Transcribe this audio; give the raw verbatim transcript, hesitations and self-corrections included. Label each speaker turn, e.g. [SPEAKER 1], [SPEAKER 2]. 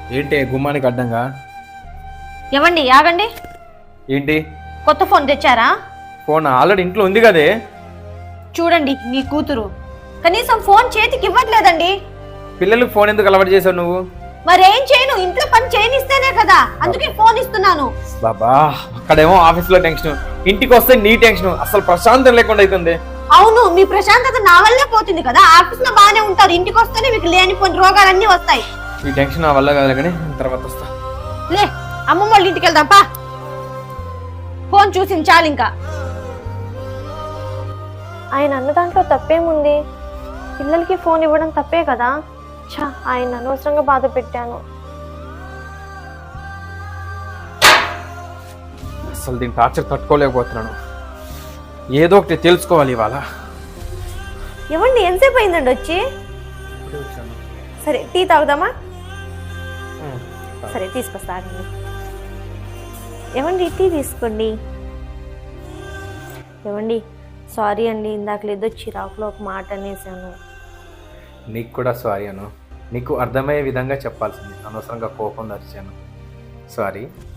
[SPEAKER 1] ఏంటి గుమ్మానికి అడ్డంగా?
[SPEAKER 2] ఏమండి ఆగండి.
[SPEAKER 1] ఏంటి?
[SPEAKER 2] కొత్త ఫోన్ తెచ్చారా?
[SPEAKER 1] ఫోన్ ఆల్రెడీ ఇంట్లో ఉంది కదే.
[SPEAKER 2] చూడండి మీ కూతురు కనీసం ఫోన్ చేతికి ఇవ్వట్లేదండి.
[SPEAKER 1] పిల్లలకు ఫోన్ ఎందుకు అలవాటు చేసావు నువ్వు?
[SPEAKER 2] మరేం చేయను, ఇంట్లో పని చేయనిస్తేనే కదా, అందుకే ఫోన్ ఇస్తున్నాను.
[SPEAKER 1] బాబా అక్కడేమో ఆఫీస్ లో టెన్షన్, ఇంటికి వస్తే నీ టెన్షన్, అసలు ప్రశాంతం లేకుండా అవుతుంది.
[SPEAKER 2] అవును, మీ ప్రశాంతత నా వల్లే పోతుంది కదా. ఆఫీస్ లో బానే ఉంటారు, ఇంటికి వస్తేనే మీకు లేనిపోయిన రోగాలన్నీ వస్తాయి.
[SPEAKER 1] ఈ టెన్షన్ నా వల్ల కాదు కానీ తర్వాత వస్తా.
[SPEAKER 2] లే అమ్మమ్మ వాళ్ళ ఇంటికి వెళ్దాంపా. ఫోన్ చూసింది చాలు. ఇంకా
[SPEAKER 3] ఆయన అన్న దాంట్లో తప్పేముంది? పిల్లలకి ఫోన్ ఇవ్వడం తప్పే కదా. ఛా, ఆయన అనవసరంగా బాధ పెట్టాను.
[SPEAKER 1] అసలు దీని టార్చర్ తట్టుకోలేకపోతున్నాను. ఏదో ఒకటి తెలుసుకోవాలి ఇవాళ.
[SPEAKER 3] ఏమండి ఎంతసేపు అయిందండి వచ్చి? సరే టీ తాగుదామా? సరే తీసుకొస్తా. ఏమండి టీ తీసుకోండి. ఏమండి సారీ అండి, ఇందాక లేదో చిరాకులో ఒక మాట అనేసాను.
[SPEAKER 1] నీకు కూడా సారీ అను. నీకు అర్థమయ్యే విధంగా చెప్పాల్సింది, అనవసరంగా కోపం తెచ్చాను. సారీ.